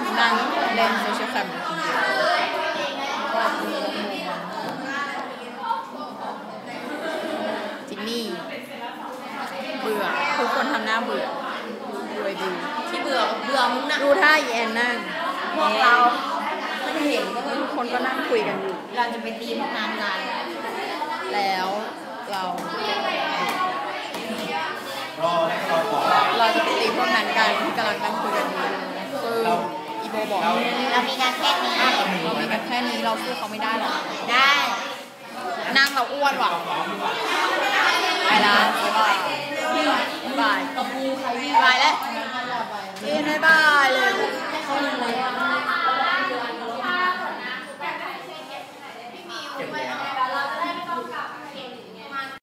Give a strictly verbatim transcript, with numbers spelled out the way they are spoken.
นั่งเล่นโซเชียลแคมจินนี่เบื่อทุกคนทำหน้าเบื่อดูไอ้ดูที่เบื่อเบื่อมึงนะดูท่าแอนนั่งพวกเราไม่เห็นก็ทุกคนก็นั่งคุยกันอยู่เราจะไปตีพวกนั้นกันแล้วเราเราจะไปตีพวกนั้นกันที่กำลังนั่งคุยกันอยู่คืออีโบบอกเรามีการแค่นี้เรามีกันแค่นี้เราสู้เขาไม่ได้หรอกได้นั่งเราอ้วนว่ะไปละบ๊ายบายบ๊ายบายกระปูใครบายแล้วเอ็นบ๊ายบายเลย